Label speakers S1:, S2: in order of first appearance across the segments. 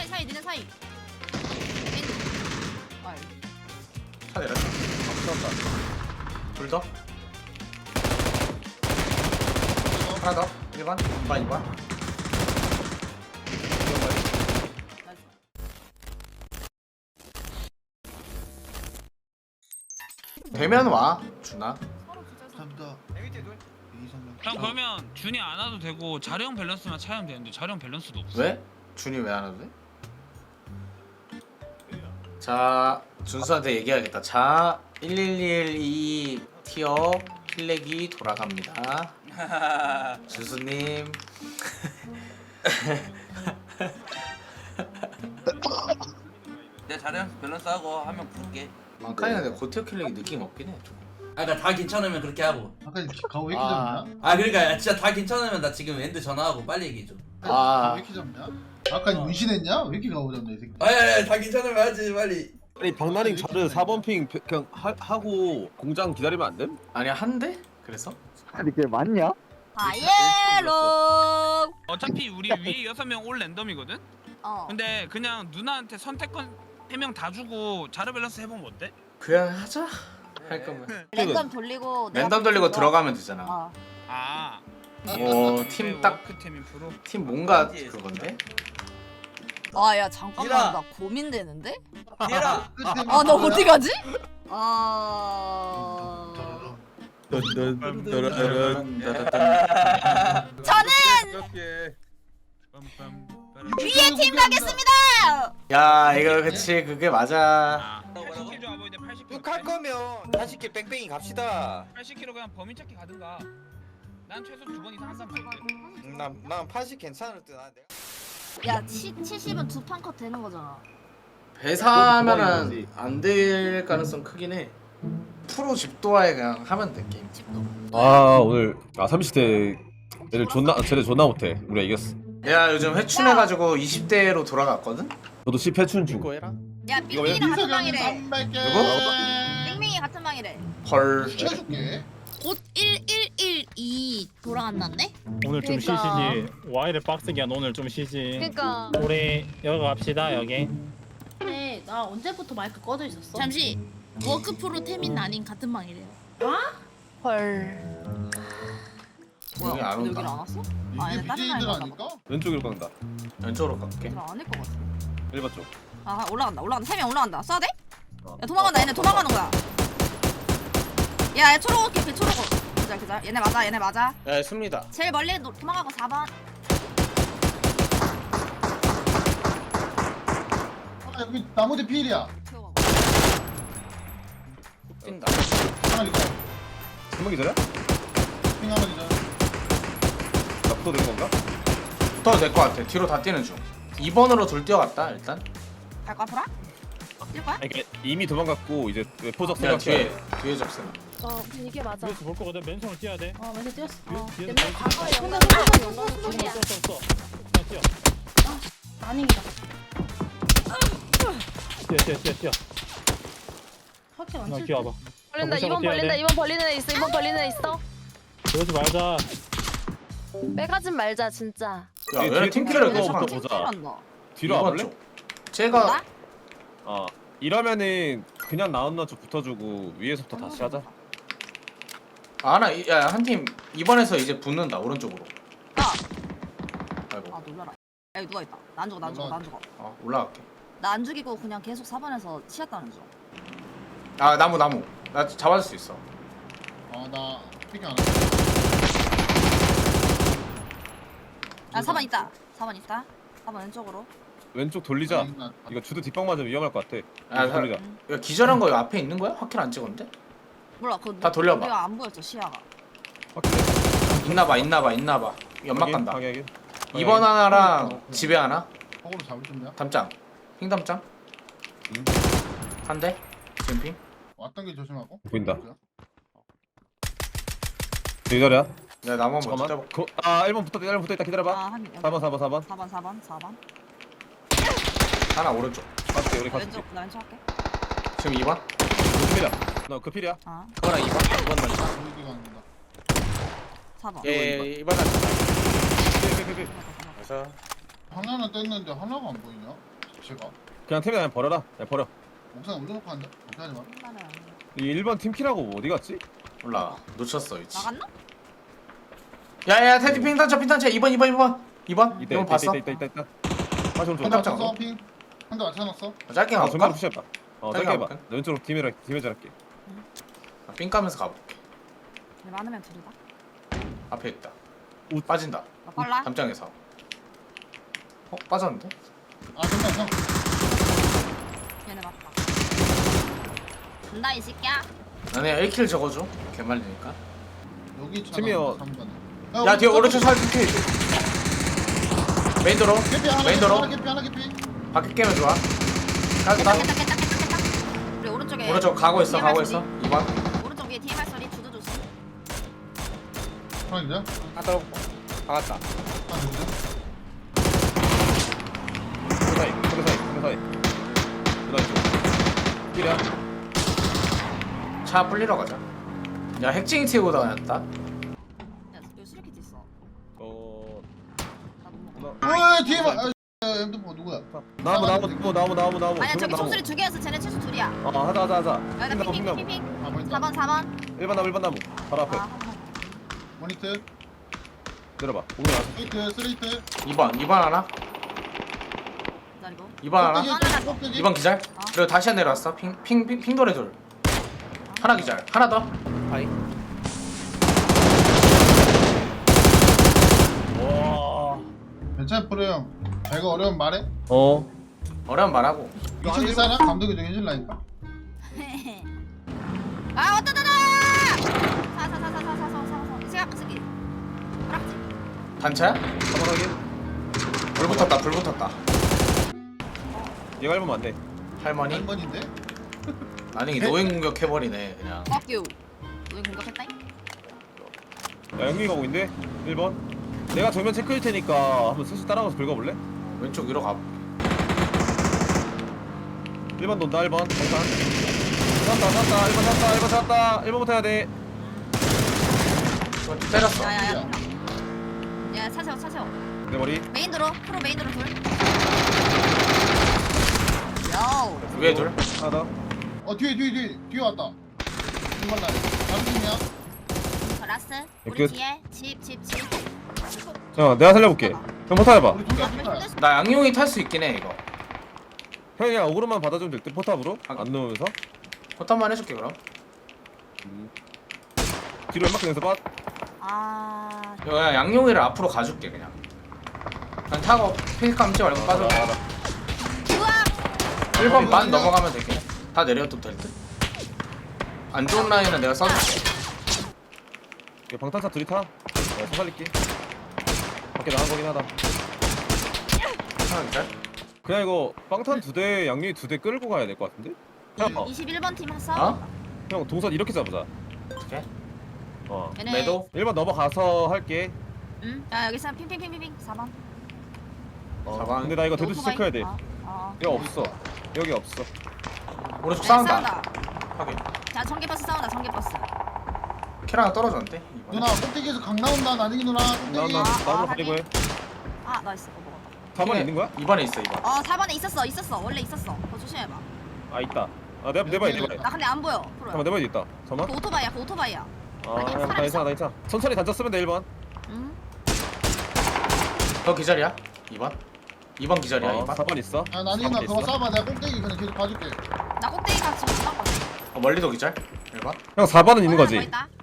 S1: 사이 니네 사이. 아,
S2: 차 내렸다. 둘 더. 하나 더. 1번. 2번.
S1: 나이스.
S2: 되면 와. 준아.
S1: 서로 진짜
S3: 감사합니다.
S4: 형 그러면 준이 안 와도 되고 자령 밸런스만 차면 되는데 자령 밸런스도 없어.
S2: 왜? 준이 왜 안 와도 돼? 자, 준수한테 얘기하겠다. 자, 1112 티어 필렉이 돌아갑니다. 준수님.
S5: 내가 자랑 밸런스 하고 한 명 부를게.
S2: 망카이가 근데 고티어 필렉이 느낌 없긴 해. 좀.
S5: 아, 나 다 괜찮으면 그렇게 하고.
S3: 아까 가오 왜 이렇게
S2: 아.
S3: 잡냐?
S5: 아, 그러니까 진짜 다 괜찮으면 나 지금 엔드 전화하고 빨리 얘기해 줘.
S2: 아.
S3: 왜 이렇게 잡냐? 아까 문신했냐? 왜 이렇게 가오 잡냐 이 새끼?
S5: 아야, 다 괜찮으면 하지 빨리.
S6: 아니 박나닝 자르 4번 핑 그냥 하고 공장 기다리면 안 됨?
S2: 아니야, 한 대? 그래서?
S7: 아니 그게 맞냐?
S1: 바이에로.
S4: 어차피 우리 위에 6명 올 랜덤이거든.
S1: 어.
S4: 근데 그냥 누나한테 선택권 3명 다 주고 자료 밸런스 해보면 어때?
S2: 그냥 하자. 할 거면.
S1: 랜덤 돌리고.
S2: 랜덤 돌리고 들어가면 되잖아.
S1: 어.
S4: 아.
S2: 오, 팀 딱.
S4: 워크템인 프로.
S2: 팀 뭔가 그건데?
S1: 아야 잠깐만
S5: 이라.
S1: 나 고민되는데?
S5: 얘라.
S1: 아 나 어디 가지? 아. 저는 위에 팀 가겠습니다.
S2: 야, 이거 그치, 그게 맞아.
S4: 아. 80kg 줘 아버지 80kg.
S8: 육할 거면 40개 뺑뺑이 갑시다.
S4: 80kg 그냥 범인 찾기 가든가. 난 최소 2번 이상 한 사람 볼게.
S8: 난 80 괜찮을 듯. 아, 내가
S1: 야 70은 두 판 컷 되는 거잖아.
S2: 배사하면은 안 될 가능성 크긴 해. 프로 집도화에 그냥 하면 돼 게임.
S1: 집도.
S6: 아 오늘 30대 애들 쟤네 존나 못해. 우리가 이겼어.
S2: 내가 요즘 회춘해가지고 20대로 돌아갔거든.
S6: 저도 10회춘 중.
S2: 이거 해라.
S1: 야 빙빙이랑 같은 방이래.
S3: 300개.
S2: 누구?
S1: 빙빙이 같은 방이래.
S2: 헐.
S3: 시켜줄게.
S1: 곧 1112 돌아간다네?
S9: 오늘 좀
S1: 그러니까.
S9: 쉬시지. 와이를 빡세게 한 오늘 좀 쉬지.
S1: 그니까.
S9: 우리 여기 갑시다 여기.
S10: 근데 나 언제부터 마이크 꺼져 있었어?
S1: 잠시 워크프로 태민 아닌 같은 방이래요.
S10: 헐.
S2: 여기 안 온다.
S1: 여기를 안 왔어? 아,
S3: 이게
S1: 얘네 다른
S3: BJ들
S1: 방에
S3: 아닐까?
S6: 왼쪽으로 간다.
S2: 왼쪽으로 갈게.
S1: 얘들 아닐 것 같아.
S6: 1번 쪽.
S1: 아 올라간다. 3명 올라간다. 쏴야 돼? 야 도망간다. 얘네 도망가는 거야. 야 초록옷 개피 초록옷. 그자. 얘네 맞아.
S2: 야, 씁니다.
S1: 제일 멀리 도망가고 4번.
S3: 아 여기 나무대 필이야.
S1: 태워가고.
S2: 뛴다.
S3: 하나 기다.
S6: 한번 기다려?
S3: 핑 한번 기다.
S6: 나 붙어 되는 건가?
S2: 붙어도 될 것 같아. 뒤로 다 뛰는 중. 2번으로 둘 뛰어갔다 일단.
S1: 갈까 보라? 뛸 거야?
S6: 아니 그러니까 이미 도망갔고 이제 포적
S2: 야,
S6: 생각해.
S2: 뒤에 적세나.
S10: 이게 맞아.
S9: 뒤에서 볼 거거든. 맨손을 뛰어야 돼.
S10: 먼저 뛰었어.
S9: 뒤에서
S10: 근데 과거에
S9: 뛰어.
S10: 소리야.
S9: 뛰어.
S10: 아닙니다.
S9: 뛰어.
S10: 확실히
S9: 나
S10: 안 칠.
S9: 뛰어봐.
S10: 벌린다.
S9: 무시하고
S10: 이번
S9: 뛰어야
S10: 벌린다.
S9: 돼.
S10: 이번 벌리는 애 있어. 이번 벌리는 애 있어.
S9: 그러지 말자.
S10: 빼가진 말자 진짜.
S2: 야,
S6: 뒤에
S2: 왜 팀킬을
S6: 팀킬을
S2: 그거
S6: 그거
S2: 봐.
S6: 보자. 뒤로 와볼래?
S2: 제가
S6: 이러면은 그냥 나온나 쪽 붙어주고 위에서부터 다시 하자.
S2: 한 팀 2번에서 이제 붙는다 오른쪽으로.
S1: 아
S2: 아이고.
S1: 놀라라. 야 누가 있다. 나 안 죽어.
S2: 올라갈게.
S1: 나 안 죽이고 그냥 계속 4번에서 치였다는 중.
S2: 아, 나무. 나 잡아줄 수 있어.
S3: 아나 핑 안.
S1: 아 4번 있다. 4번 4번 왼쪽으로.
S6: 왼쪽 돌리자. 이거 주도 뒷방 맞으면 위험할 것 같아.
S2: 아,
S6: 왼쪽 돌리자.
S2: 야, 기절한 거 앞에 있는 거야? 확킬 안 찍었는데?
S1: 몰라 그거
S2: 다 돌려봐.
S1: 우리가 안 보였어 시야가.
S2: 있나봐. 연막 간다.
S6: 방해하기.
S2: 2번 하나랑 집에 하나.
S3: 거꾸로 잡을 준비야.
S2: 담장. 핑 담장. 한 대. 지금 핑.
S3: 왔던 길 조심하고.
S6: 보인다. 기다려.
S2: 야, 나무 한번
S6: 잠깐만.
S2: 뜯어볼게.
S6: 1번 붙어 있다 기다려봐.
S1: 아한 4번.
S2: 하나 오른쪽.
S6: 맞지 우리 같이.
S1: 왼쪽 나 왼쪽 할게.
S2: 지금 2번.
S6: 필이야. 너 그 필이야.
S1: 아
S2: 그거랑 2번 던져.
S3: 여기 간다.
S1: 4번.
S2: 예, 2번 던져.
S6: 필.
S2: 그래서
S3: 하나는 떴는데 하나가 안 보이냐? 제가
S6: 그냥 템이 그냥 버려라. 그냥 버려.
S3: 옥상에 올려놓고 한다. 어떻게 하지 마.
S6: 이 1번 팀키라고 어디 갔지?
S2: 몰라 놓쳤어 위치.
S1: 나갔나?
S2: 야야 테디 핑단차 2번
S6: 이때
S2: 봤어?
S6: 있다. 다시 오른쪽.
S2: 깜짝
S3: 한 핑. 한 대 맞춰놨어.
S2: 짧게
S6: 아,
S2: 가볼까?
S6: 전면 푸시했다.
S2: 짧게
S6: 짧게 해봐.
S2: 가볼까?
S6: 나 왼쪽으로 팀에 잘할게.
S2: 삥 까면서 가볼게.
S1: 근데 많으면 둘이다.
S2: 앞에 있다.
S6: 웃.
S2: 빠진다.
S1: 나 빨라.
S2: 담장에서. 빠졌는데?
S3: 아 잠깐 형.
S1: 얘네 맞다. 간다 이 새끼야.
S2: 나는 1킬 적어줘. 개말리니까.
S3: 여기 있잖아.
S6: 팀이요.
S3: 3번에.
S2: 야 뒤에 오른쪽 살 핑크. 메인 도로.
S3: 개피 하나
S2: 메인
S3: 개피
S2: 도로.
S3: 하나 개피.
S2: 밖에 깨면 좋아. 까겠다.
S1: 깼다. 우리 오른쪽에.
S2: 오른쪽 가고 있어.
S1: TMR
S2: 2번.
S1: 오른쪽 위에 TMR 소리 주도 조심.
S3: 하나 기자.
S8: 하나 떨어고 박았다.
S3: 하나 기자.
S6: 사이. 그다음 길이야.
S2: 차 불리러 가자. 야 핵쟁이 태우고 다녔다.
S1: 야 여기 수리키트 있어. 나못 먹어.
S3: 왜 뒤에 봐. M4 누구야?
S6: 나무.
S1: 아니야 저기 총소리 두 개였어. 쟤네 최소 둘이야.
S6: 하자.
S1: 야나
S6: 핑나무.
S1: 핑핑핑핑.
S3: 아 보인다.
S1: 4번.
S6: 1번 나무. 바로 앞에.
S1: 아
S3: 모니트.
S6: 내려봐. 오늘 와서.
S3: 스트레이트.
S2: 2번 하나.
S1: 기다리고.
S2: 2번 하나.
S3: 꼭대기.
S2: 2번 기절. 그리고 다시 내려왔어. 핑돌에 둘. 하나 기절. 하나 더.
S8: 아이.
S6: 와.
S3: 괜찮아 프로 형. 배가 어려운 말해.
S2: 어려운 말하고.
S3: 2천 기사나 감독이 좀 해줄라니까.
S1: 아 왔다. 사사사사사사사사. 이 생각 쓰기. 그렇지.
S2: 단차야?
S6: 가만하게.
S2: 불 붙었다.
S6: 얘가 1번 맞네.
S2: 할머니?
S3: 한 번인데.
S2: 아니 노인 공격 해버리네 그냥.
S1: Fuck you. 너희 공격했다잉?
S6: 야 영민이 가고 있는데 1번. 내가 정면 체크일 테니까 한번 슬슬 따라가서 긁어볼래?
S2: 왼쪽 위로 가.
S6: 1번 돈다 1번 정상. 샀다 1번부터 해야 돼.
S2: 때렸어.
S1: 야야야. 야 차세워.
S6: 내 머리.
S1: 메인 도로. 프로 메인 도로 둘. 요.
S2: 위에 둘.
S6: 하나 더.
S3: 뒤에 왔다. 이번 날. 남팀이야.
S1: 라스. 우리
S6: 끝.
S1: 뒤에 집.
S6: 야 내가 살려볼게. 형 포탑 해봐.
S3: 우리 둘다 둘다.
S2: 나 양용이 탈 수 있긴 해 이거.
S6: 형이 그냥 어그로만 받아주면 될 듯 포탑으로. 안 넣으면서.
S2: 포탄만 해줄게 그럼.
S6: 뒤로 연막 내서 빠.
S1: 아.
S2: 이거 그냥 양용이를 앞으로 가줄게 그냥. 그냥 타고 핑 감지 말고 빠져.
S1: 우와.
S2: 1번 반 넘어가면 되겠네. 다 내려도 될 듯. 안 좋은 라인은 내가 써줄게.
S6: 이거 방탄차 둘이 타. 내가 살릴게. 밖에 나간 거긴 하다.
S2: 하나 기절.
S6: 그냥 이거 빵탄 2대 양념이 2대 끌고 가야 될 것 같은데? 형,
S1: 21번 팀 했어?
S2: 어?
S6: 형 동선 이렇게 잡자.
S2: 어떻게?
S1: 얘네.
S2: 매도.
S6: 1번 넘어가서 할게.
S1: 응. 야 여기 있어. 핑핑핑핑. 4번.
S2: 4번.
S6: 근데 나 이거 데드스 체크해야 돼. 여기 없어. 여기 없어.
S2: 오른쪽
S1: 네,
S2: 싸운다. 확인.
S1: 자 전개버스 싸운다. 전개버스.
S2: 캐라가 떨어졌는데. 이번에.
S3: 누나 꼭대기에서 강 나온다. 나중에 누나 꼭대기.
S6: 나 나무로
S1: 하긴.
S6: 가리고 해.
S1: 아 나이스. 먹었다.
S6: 4번에 있는 거야?
S2: 2번에 있어 2번.
S1: 4번에 있었어. 원래 있었어. 그거 조심해봐.
S6: 아 있다. 아 내 바에 내 바에.
S1: 나 근데 안 보여. 프로야.
S6: 잠깐만 내 바에 있다. 잠깐만.
S1: 그 오토바이야.
S6: 아
S1: 아니,
S6: 형,
S1: 사람
S6: 나
S1: 있어?
S6: 괜찮아. 천천히 단자 쓰면 돼 1번.
S1: 응.
S2: 너 기절이야? 2번? 2번 기절이야 2번?
S6: 4번 있어.
S3: 아 나중에 나
S6: 4번
S3: 그거
S6: 있어.
S3: 쏴봐. 내가 꼭대기 그냥 계속 봐줄게.
S1: 나 꼭대기가 지금 못 봤거든.
S2: 멀리도 기절? 1번?
S6: 형 4번은 있는 거지.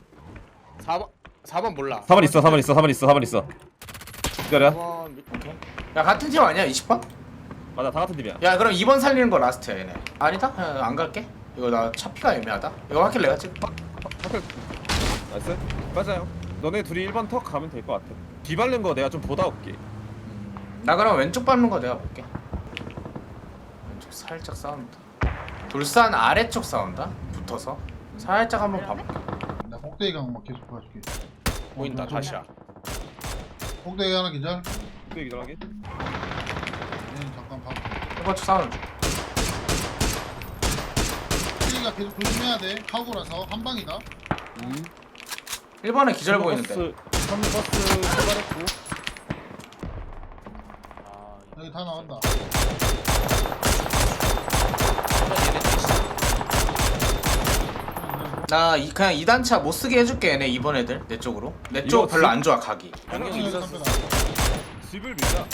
S8: 4번 몰라.
S6: 4번 있어. 기다려.
S8: 4번
S2: 오케이. 야 같은 팀 아니야 20번?
S6: 맞아 다 같은 팀이야.
S2: 야 그럼 2번 살리는 거 라스트야 얘네. 아니다? 안 갈게. 이거 나 차피가 애매하다. 이거 확킬 내가 찍을게.
S6: 나이스. 맞아요. 너네 둘이 1번 턱 가면 될 것 같아. 뒤밟는 거 내가 좀 보다 올게.
S2: 나 그럼 왼쪽 밟는 거 내가 볼게. 왼쪽 살짝 싸운다. 돌산 아래쪽 싸운다. 붙어서 살짝 한번 봐볼게.
S3: 나 꼭대기 강막 계속 봐줄게.
S8: 보인다 다시야.
S3: 꼭대기 하나 기절.
S6: 그 얘기 전하게.
S3: 얘는 잠깐 봐.
S2: 1번 쪽 싸우는 중.
S3: 꼭대기가 계속 조심해야 돼. 카고라서 한 방이다.
S2: 1번에 기절 보이는데.
S6: 3버스 출발했고.
S3: 여기 다 나간다.
S2: 그냥 2단차 못 쓰게 해줄게 얘네 이번 애들 내 쪽으로. 내 쪽
S6: 이거
S2: 별로 안 좋아 각이.
S6: 양념이
S3: 있어.
S6: 있었어. 집을 밀자.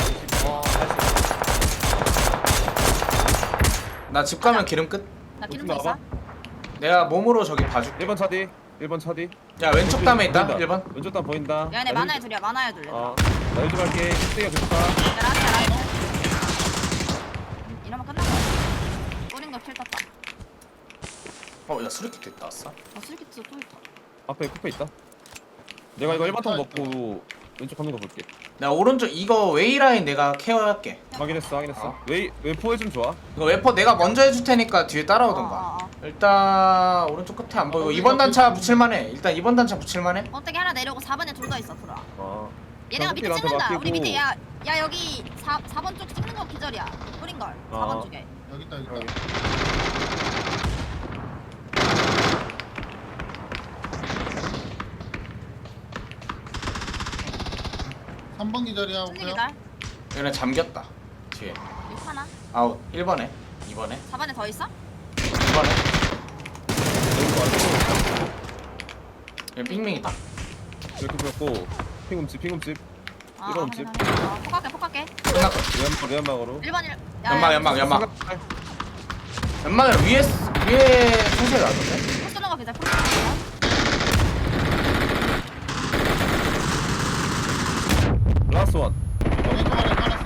S2: 나 집 가면 기름 끝.
S1: 나 기름
S6: 좀
S1: 더 있어?
S6: 나와봐.
S2: 내가 몸으로 저기 봐줄게.
S6: 1번 차디. 1번 차디.
S2: 야 왼쪽 담에 있다.
S6: 보인다.
S2: 1번.
S6: 왼쪽 담 보인다.
S1: 야 얘네
S6: 나
S1: 많아야
S6: 힐-
S1: 둘이야 많아야 둘.
S6: 나 1좀 할게. 1대가 좋다.
S1: 라이트. 이러면 끝난 거야. 꼬린 거킬 떴다.
S2: 야 수리키트 있다 왔어.
S1: 슬기트 또 있다.
S6: 앞에 쿠페 있다. 내가 이거 1번 통 먹고 왼쪽 가는 거 볼게.
S2: 나 오른쪽 이거 웨이 라인 내가 케어할게.
S6: 확인했어. 웨포에 좀 좋아.
S2: 이거 웨퍼 내가 먼저 해줄 테니까 뒤에 따라오던가. 일단 오른쪽 끝에 안 보이고 2번 단차 붙일만해. 일단 2번 단차 붙일만해.
S1: 어떻게 하나 내려오고 4번에 둘 더 있어 프로야. 얘네가
S6: 자,
S1: 밑에
S6: 호텔한테
S1: 찍는다.
S6: 맡기고.
S1: 우리 밑에 야 여기 4번 쪽 찍는 거 기절이야. 뿌린 걸. 4번 쪽에.
S3: 여기 있다.
S6: 여기.
S3: 3번 기절이야.
S1: 승리
S3: 오케이.
S1: 기절.
S2: 얘네 잠겼다. 뒤에.
S1: 6 하나.
S2: 아웃. 1번에. 2번에.
S1: 4번에 더 있어?
S2: 2번에. 얘 삥밍이다.
S6: 이렇게 보였고 핑움집. 이거 없지?
S1: 폭할게.
S2: 끝났고.
S6: 외연막으로.
S1: 1번 1.
S2: 연막. 연막을 위에 총소리 나던데?
S1: 포 쏘는 거 기절. 포
S6: 라스트 원.
S3: 왼쪽 아래 깔았어.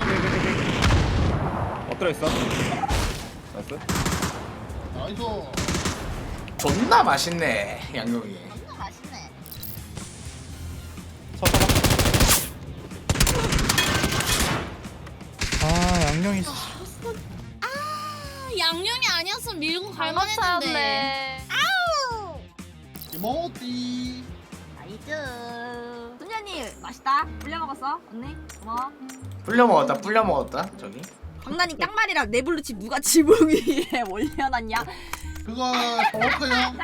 S6: 엎드려 있어. 나이스.
S3: 나이스.
S2: 존나 맛있네 양념이.
S1: 쏘는 맛있네.
S7: 양념이 아니었으면 밀고
S10: 잘
S7: 갈만 했는데.
S10: 맞췄네.
S3: 이모띠.
S1: 나이스. 순현이 맛있다. 불려 먹었어 언니. 고마워.
S2: 불려 먹었다 저기.
S1: 강단이 깡말이랑 네블루칩 누가 지붕 위에 올려놨냐?
S3: 그거 워커야.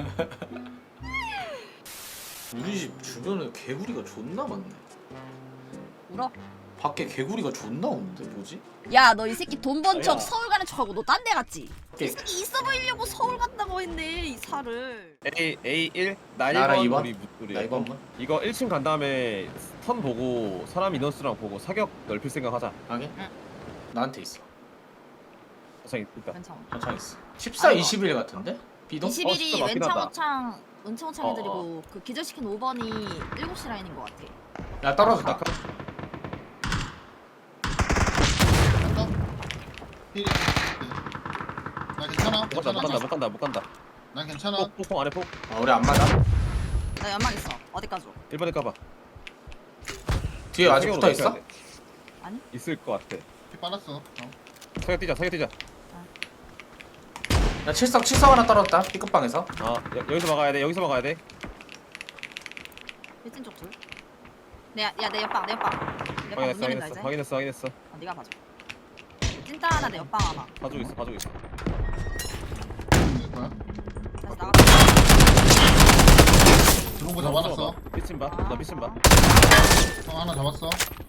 S2: 우리 집 주변에 개구리가 존나 많네.
S1: 울어.
S2: 밖에 개구리가 존나 오는데 뭐지?
S1: 야 너 이 새끼 돈 번
S2: 아니야.
S1: 척 서울 가는 척하고 너 딴 데 갔지?
S2: 오케이.
S1: 이 새끼 있어 보이려고 서울 갔다고 했네 이 살을.
S6: A1 나
S2: 나랑
S6: 1번
S2: 이번?
S6: 우리 우리
S2: 나 이번 번?
S6: 이거 1층 간 다음에 턴 보고 사람 인원수랑 보고 사격 넓힐 생각하자.
S2: 하게?
S1: 응.
S2: 나한테 있어.
S6: 저기 있다.
S1: 괜찮아.
S2: 한창 있어. 14,
S1: 아이고.
S2: 21 같은데? 비동?
S1: 21이
S6: 진짜 맞긴 하다.
S1: 은창호창 애들이고 그 기절시킨 5번이 7시 라인인 것 같아.
S2: 야 떨어졌다.
S3: 필. 나 괜찮아.
S6: 못 간다.
S3: 난 괜찮아.
S6: 폭 안에 폭.
S2: 우리 안 맞아.
S1: 나 연막 있어. 어디까지 줘?
S6: 1번에 까봐.
S2: 뒤에 아직
S6: 사격으로
S2: 붙어 있어?
S6: 넓혀야 돼.
S1: 아니?
S6: 있을 것 같아.
S3: 피 빨았어.
S6: 사격 뛰자.
S2: 야 칠석 하나 떨어졌다. B급방에서.
S6: 여기서 막아야 돼.
S1: 일진 쪽 둘. 내 옆방. 내 옆방 문 열린다 이제.
S6: 확인했어.
S1: 네가 봐줘. 찐따 하나 내 옆방 하나.
S6: 봐주고 있어.
S3: 될 거야.
S1: 다시 나가.
S3: 들어온 거 잡아놨어.
S6: 삐친 봐. 나 삐친 봐.
S3: 형 하나 잡았어.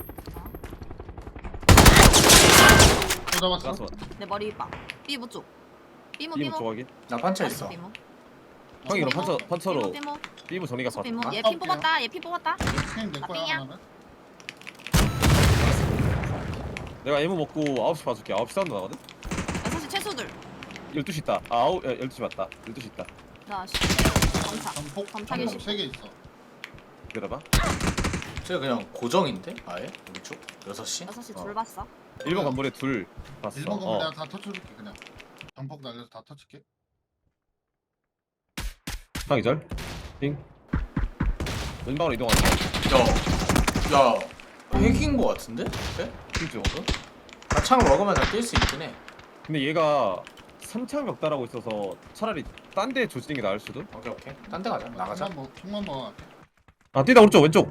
S3: 또 잡았어.
S6: 라스 원.
S1: 내 머리 윗방. 삐무 쪽. 삐무.
S6: 삐무 좋아하기.
S2: 나 판처 있어.
S1: 삐무.
S6: 형이 그럼 판처로
S1: 삐무.
S6: 삐무 정리가 봐.
S1: 삐무.
S3: 아,
S1: 얘핀 뽑았다. 얘핀 뽑았다.
S3: 형내 거야
S1: 삐야.
S3: 하나는.
S6: 내가 애무 먹고 9시 봐줄게. 9시 사운드 나거든?
S1: 6시 최소들.
S6: 12시 있다. 12시 맞다. 12시 있다.
S1: 자, 검사.
S3: 전폭
S1: 검사기
S3: 3개 있어.
S6: 기다려봐.
S2: 저 그냥 고정인데? 아예? 우리 쪽? 6시?
S1: 6시 둘 봤어.
S6: 1번 건물에 둘 봤어.
S3: 1번 거면 내가 다 터쳐줄게 그냥. 전폭 날려서 다 터칠게.
S6: 상이절. 띵. 왼방으로 이동한다.
S2: 야 핵인 거 같은데? 그래?
S6: 핑
S2: 나 창을 먹으면 다 뛸 수 있긴 해.
S6: 근데 얘가 3창 벽다라고 있어서 차라리 딴 데 조지는 게 나을 수도?
S2: 오케이 딴 데 가자. 나가자.
S3: 총만 먹어.
S6: 아 뛰다 오른쪽 왼쪽.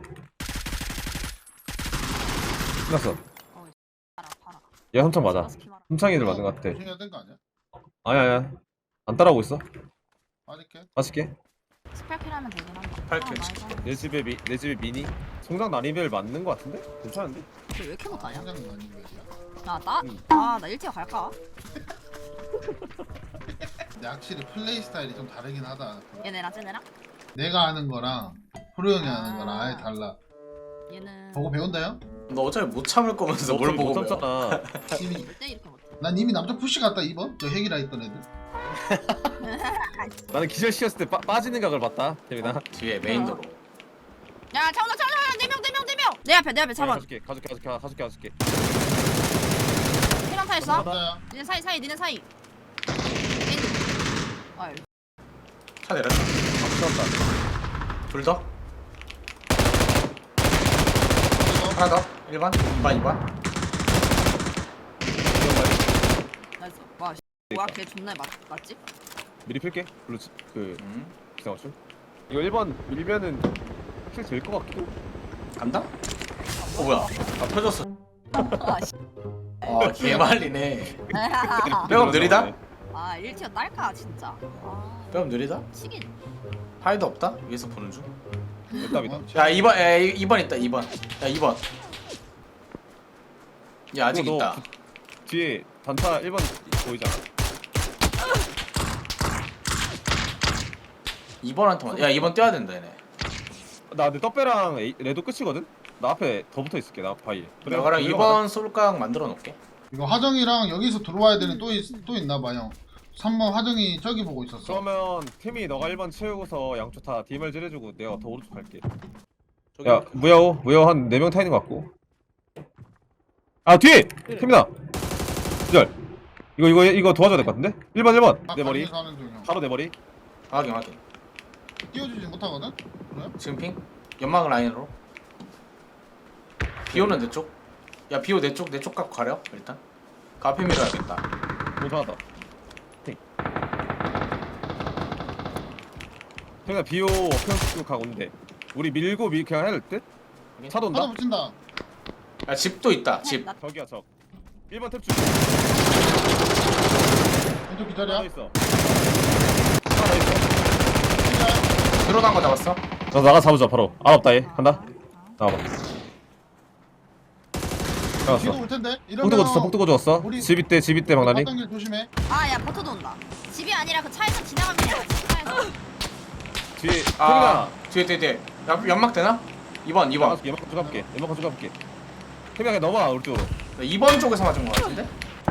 S6: 끝났어.
S1: 팔아.
S6: 얘 3창 맞아. 3창 애들 맞은 것 같아.
S3: 조심해야 되는 거 아니야?
S6: 아니야. 안 따라오고 있어.
S3: 빠질게.
S6: 맛있게.
S1: 스펠킬 하면 되긴 한다.
S2: 8킬.
S6: 내 집에 미니. 성장 난이벨 맞는 것 같은데? 괜찮은데?
S1: 왜 이렇게 못하냐?
S3: 성장은 아닌 거야.
S1: 나
S6: 응.
S1: 1티어 갈까?
S3: 근데 확실히 플레이 스타일이 좀 다르긴 하다.
S1: 얘네랑 쟤네랑?
S3: 내가 하는 거랑 프로 형이 하는 거랑 아예 달라.
S1: 얘는
S3: 보고 배운다요?
S2: 너 어차피 못 참을 거면서 뭘 보고 배워?
S6: 참잖아.
S3: 이미
S1: 절대 이렇게 못해.
S3: 난 이미 남자 푸시 갔다 2번 저 핵이라 했던 애들.
S6: 나는 기절시켰을 때 빠지는 각을 봤다. 태민아.
S2: 뒤에 메인 도로.
S1: 야 차온다 차온다 4명 내 앞에 잡아.
S6: 가줄게.
S1: 1명 타 있어.
S3: 남자야.
S1: 니네 사이 니네 사이. 아유.
S2: 차 내렸다. 둘 더. 하나 더. 1번. 2번.
S1: 나이스. 와 뭐야 걔 존나 맞지?
S6: 미리 필게. 블루치 그
S2: 음.
S6: 기상호출. 이거 1번 밀면은 킬 될 것 같기도.
S2: 간다? 뭐야? 아 터졌어.
S1: 아 씨.
S2: 아 개말리네. 백업 느리다?
S1: 아 1티어 딸까 진짜. 아
S2: 백업 느리다?
S1: 치긴.
S2: 하이도 없다? 위에서 보는 중.
S6: 답이다.
S2: 야 2번. 2번 있다. 2번. 야 2번. 야 아직
S6: 너
S2: 있다.
S6: 뒤에 단타 1번 보이잖아.
S2: 2번한테 야 2번 뛰어야 된다 얘네.
S6: 나 근데 떡배랑 레도 끝이거든? 나 앞에 더 붙어 있을게. 나 바위.
S2: 너가랑 2번 솔각 만들어 놓을게.
S3: 이거 화정이랑 여기서 들어와야 되는 또 있나 봐 형. 3번 화정이 저기 보고 있었어.
S6: 그러면 팀이 너가 1번 채우고서 양초 타 DMR 찌르주고 내가 더 오른쪽 갈게. 야 무야호 한 4명 타 있는 것 같고. 아 뒤에! 팀이다! 기절. 이거 도와줘야 될 것 같은데? 1번 내 머리.
S3: 하는 중 형.
S6: 바로 내 머리.
S2: 확인.
S3: 띄워주지 못하거든? 그래?
S2: 지금 핑? 연막 라인으로. 비오는 내 쪽. 야 비오 내 쪽 갖고 가려 일단. 그 앞에 밀어야겠다.
S6: 오 좋아하다. 팀이다 비오 어평수 가고 있는데 우리 밀고 그냥 해야 될 듯? 차도
S3: 하나
S6: 온다?
S3: 붙인다.
S2: 야 집도 있다. 집.
S1: 나
S6: 저기야 저 1번 탭 줄.
S3: 왼쪽
S6: 하나
S3: 기다려.
S6: 더 있어. 하나 더 있어.
S2: 들어간 거 잡았어.
S6: 너 나가 잡으자 바로. 안 없다 얘. 간다. 나와봐.
S3: 뒤도
S6: 나갔어.
S3: 올 텐데.
S6: 폭도 줬어.
S3: 우리-
S6: 집이 때 막나니.
S3: 길 조심해.
S1: 아야 버터도 온다. 집이 아니라 그 차에서 지나가면 돼. 차에서.
S6: 뒤에
S2: 아
S6: 태민아.
S2: 뒤에. 야 연막 되나? 2번.
S6: 연막 가져가볼게. 태민아 그냥 넘어와 우리쪽으로.
S2: 2번 쪽에서 맞은 거 같은데?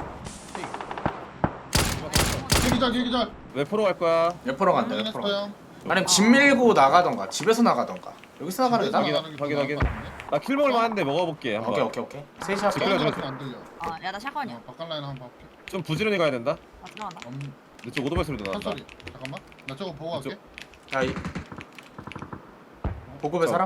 S3: 기절.
S6: 왜 프로 갈 거야?
S2: 옆으로 간다. 옆으로.
S3: 확인했어요.
S2: 아니면 집 밀고 나가던가. 집에서 나가던가. 여기서 나가는 게
S3: 집에서
S2: 나아.
S3: 나가는 게
S6: 확인.
S3: 더 나을 것 같은데?
S6: 나 킬 먹을 만한데 먹어볼게. 한번.
S2: 오케이. 셋이 할게.
S6: 그래, 그래.
S3: 같은 거안 들려.
S1: 아야 나 샷건이야.
S3: 바깥 라인 한번 볼게.
S6: 좀 부지런히 가야 된다.
S1: 아 들어간다.
S6: 이쪽 오토바이 소리도 나온다.
S3: 한소리. 잠깐만. 나 저거 보고 갈게.
S2: 야 보급의 사람?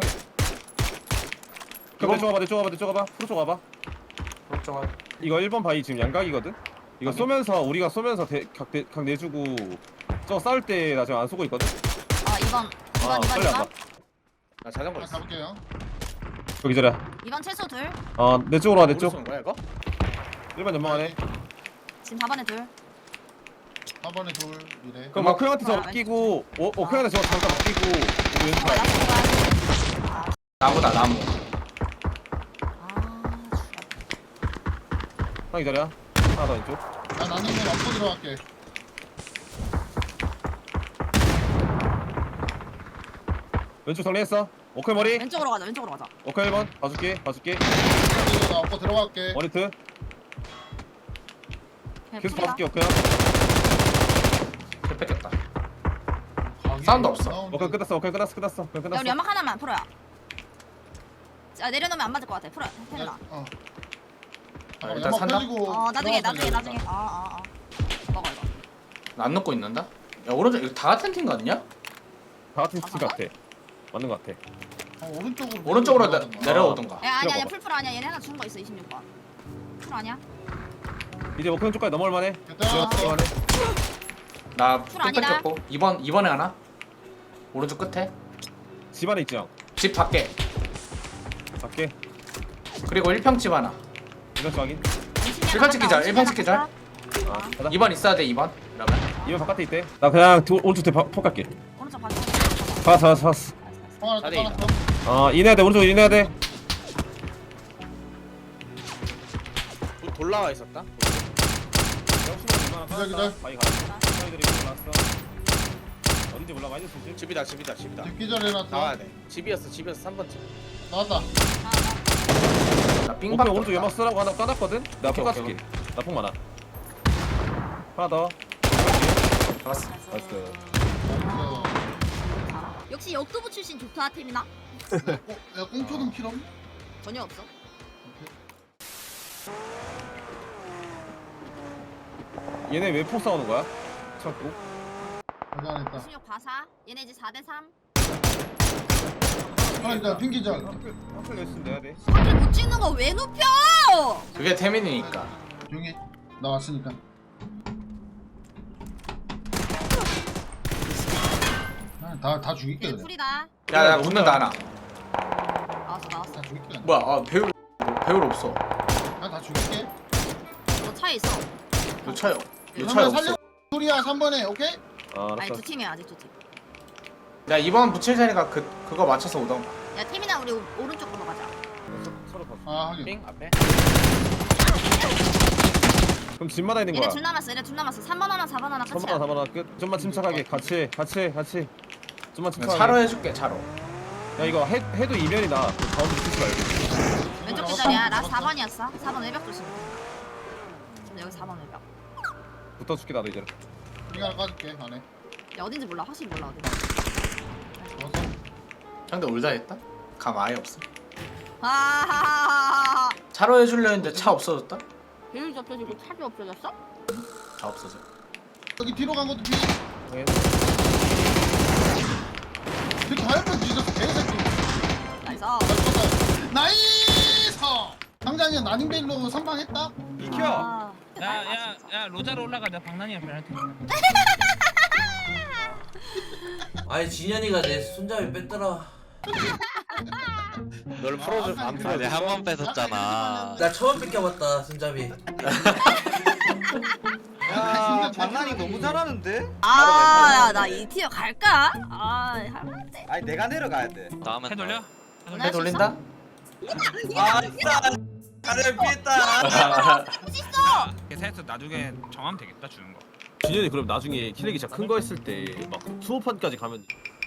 S6: 그럼 내 쪽 가봐. 프로 쪽 가봐.
S2: 걱정할.
S6: 이거 1번 바위 지금 양각이거든? 이거 쏘면서 우리가 각 내주고 저거 싸울 때 나 지금 안 쏘고 있거든?
S1: 아 2번.
S6: 빨리 와봐.
S2: 나 자전거
S3: 하나
S2: 있어.
S3: 가볼게요.
S6: 여기 저래.
S1: 2번 최소 둘.
S6: 내 쪽으로 와, 내
S2: 우리
S6: 쪽.
S2: 쏘는 거야 이거?
S6: 1번 연막하네.
S1: 지금 4번에 둘.
S3: 4번에 둘 이래.
S6: 그럼 오크형한테 저거 끼고, 오크형한테 저거 잠깐 끼고, 우리 왼쪽
S1: 나
S6: 가야 돼.
S1: 들어가야지.
S2: 나무다 나무.
S1: 아
S6: 하나 기다려. 하나 더 왼쪽.
S3: 나 나는 건 앞으로 들어갈게.
S6: 왼쪽 정리했어. 오크 머리.
S1: 왼쪽으로 가자.
S6: 오크 1번. 봐줄게.
S3: 나 앞으로 들어갈게.
S6: 머리트.
S1: 그냥
S6: 계속
S1: 풀이다.
S6: 봐줄게, 오크형.
S2: 킬 뺏겼다. 사운드 없어.
S6: 오크 끝났어. 그냥
S1: 야 우리
S6: 끝났어.
S1: 연막 하나만 풀어야. 자 내려놓으면 안 맞을 것 같아. 풀어. 태민아.
S3: 잠깐만,
S2: 일단
S3: 연막
S2: 산다?
S3: 펴지고
S1: 나중에.
S3: 들어가서
S1: 먹어 이거.
S2: 나 안 넣고 있는다? 야 오른쪽 이거 다 같은 팀 같냐?
S6: 다 같은 팀 같아. 맞는 것 같아.
S2: 오른쪽으로
S3: 들어가던가.
S2: 내려오던가.
S1: 야 아니야
S6: 들어가봐.
S1: 풀풀 아니야. 얘네 하나 준 거 있어 26번. 풀 아니야?
S6: 이제 오크형 쪽까지 넘어올 만해.
S3: 됐다.
S6: 넘어올 만해.
S2: 나또
S1: 풀 아니다.
S2: 뺏겼고 2번에 하나. 오른쪽 끝에.
S6: 집 안에 있지 형.
S2: 집 밖에.
S6: 밖에.
S2: 그리고 1평 집 하나.
S6: 이건 좀 확인.
S2: 일반 찍기자, 일반 찍기자.
S6: 가자.
S2: 2번 있어야 돼 2번. 이러면.
S6: 이번 바깥에 있대. 나 그냥 오른쪽 대폭 갈게.
S1: 오른쪽 봐줘.
S6: 봤어.
S3: 하나
S2: 자리
S3: 더
S6: 인해야 돼. 오른쪽 인해야 돼.
S8: 돌라와 있었다.
S6: 역시나
S3: 기절 기절.
S6: 바위 가. 바위들이 올라왔어. 어딘지 몰라. 마이너스 집.
S8: 집이다 집이다 집이다.
S3: 기절 해놨어.
S8: 나와야 돼. 집이었어 3번 집.
S3: 나왔다.
S2: 나
S6: 오케이
S2: 삥박
S6: 오른쪽 연막 쓰라고 하나 까놨거든? 내가 폭
S2: 오케이,
S6: 까줄게. 나 폭 많아. 하나 더.
S2: 잡았어.
S6: 나이스.
S3: 어,
S1: 역시 역도부 출신 좋다 태민아.
S3: 야 꽁초등 필요함?
S1: 전혀 없어.
S6: 얘네 왜 폭 싸우는 거야? 참고.
S3: 가자 안 했다.
S1: 16 바사. 얘네 이제 4대3.
S3: 하나 기절 핑 기절.
S6: 한클 레슨 내야 돼.
S1: 사킬 못 찍는 거 왜 눕혀?
S2: 그게 태민이니까.
S3: 조용히 해. 나 왔으니까. 다 죽일게
S1: 얘
S3: 그냥.
S1: 풀이다.
S2: 야야 웃는다 하나.
S1: 나왔어.
S3: 다 죽일게 그냥.
S2: 뭐야 배울 없어.
S3: 다 죽일게.
S1: 너 차에 있어.
S2: 요 차요. 요 차에
S3: 그러면
S2: 없어.
S3: 살려. 소리야 3번에 오케이?
S6: 아
S1: 아니
S6: 알았어.
S1: 두 팀이야 아직 두 팀.
S2: 야 이번 붙일 테니까 그거 맞춰서 오던.
S1: 야 태민아 우리 오른쪽으로 가자.
S6: 서로 봤어.
S3: 아 하긴.
S8: 삥 앞에.
S6: 그럼 집마다 있는
S1: 얘네
S6: 거야.
S1: 둘 남았어. 3번 하나 4번 하나
S6: 3번
S1: 끝이야.
S6: 하나 4번 하나 끝. 좀만 침착하게 같이. 좀만 침착하게.
S2: 차로 해줄게 차로.
S6: 야 이거 해도 이면이다. 그 가운데 붙이지 말고.
S1: 왼쪽 기절이야. 나 4번이었어. 4번 외벽 조심. 지금 여기 4번 외벽.
S6: 붙어줄게 나도 이제.
S3: 핑 하나 까줄게 안에.
S1: 야 어딘지 몰라. 확실히 몰라 어디.
S3: 왔어.
S2: 상대 울다 했다? 감 아예 없어.
S1: 아.
S2: 차로 해줄려 했는데 차 없어졌다?
S1: 비율이 없어지고 차도 없어졌어?
S2: 다 없어져.
S3: 여기 뒤로 간 것도 핑.
S6: 네.
S3: 이렇게 하얀 뒤졌어 개새끼.
S1: 나이스.
S3: 나이스. 당장이야 나닝베일로 선방했다.
S1: 아.
S4: 야야야 로자로 올라가. 내가 박난이랑 변할 테니까.
S5: 아니 진현이가 내 손잡이 뺐더라.
S8: 너를 풀어줄 안 풀어줘.
S3: 한번 뺏었잖아.
S5: 나 처음 뺏겨봤다 손잡이.
S3: 야
S8: 장난이 너무 잘하는데?
S1: 아, 야, 나 이 티어 갈까? 아, 할만한데.
S8: 아니 내가 내려가야 돼.
S4: 해 돌려?
S2: 해 돌린다?
S5: 아 진짜 가려 피했다.
S4: 계산해서 나중에 정하면 되겠다 주는 거.
S6: 준현이 그럼 나중에 키렉이 진짜 큰 거 했을 때 막 20판까지 가면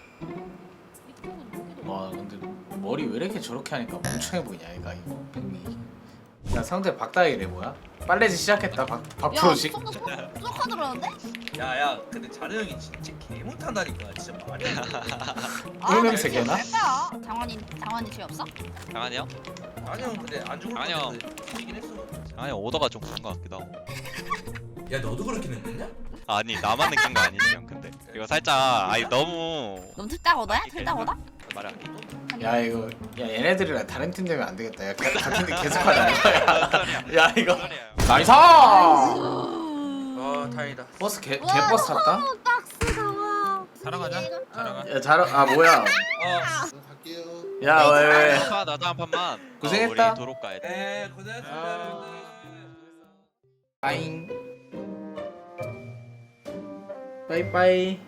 S2: 와 근데 머리 왜 이렇게 저렇게 하니까 멍청해 보이냐 얘가 이거 백미. 야 상대 박다이래 뭐야? 빨래지 시작했다 박프로식.
S1: 쏙 들어오는데?
S5: 야야 근데 자네 형이 진짜 개 못한다니까 진짜 말이 안 돼.
S2: 꿀 냄새 개나?
S1: 갈까? 장원이 죄 없어?
S11: 장한이요?
S5: 자네 형 근데 안 죽을 것
S11: 아니요.
S5: 같은데 죽이긴 했어.
S11: 장한이 오더가 좀 그런 것 같기도 하고.
S5: 야 너도 그렇게 느꼈냐?
S11: 아니 나만 느낀 거 아니지 형 근데. 이거 살짝 아니 너무
S1: 넌 틀딱오다야? 틀딱오다?
S11: 말이 안 돼.
S2: 야 이거 야 얘네들이랑 다른 팀 되면 안 되겠다. 야 같은 팀 계속 하자. 야 이거 나이스!
S5: 아 다행이다.
S2: 버스 개버스 탔다?
S1: 박스 나와.
S4: 자라가자. 자라가.
S2: 야 잘 아 뭐야?
S3: 갈게요.
S2: 야 왜?
S11: 나도 한 판만.
S2: 고생했다.
S11: 우리 도로 가야 돼.
S5: 에 고생했습니다.
S2: 빠잉. 빠이빠이.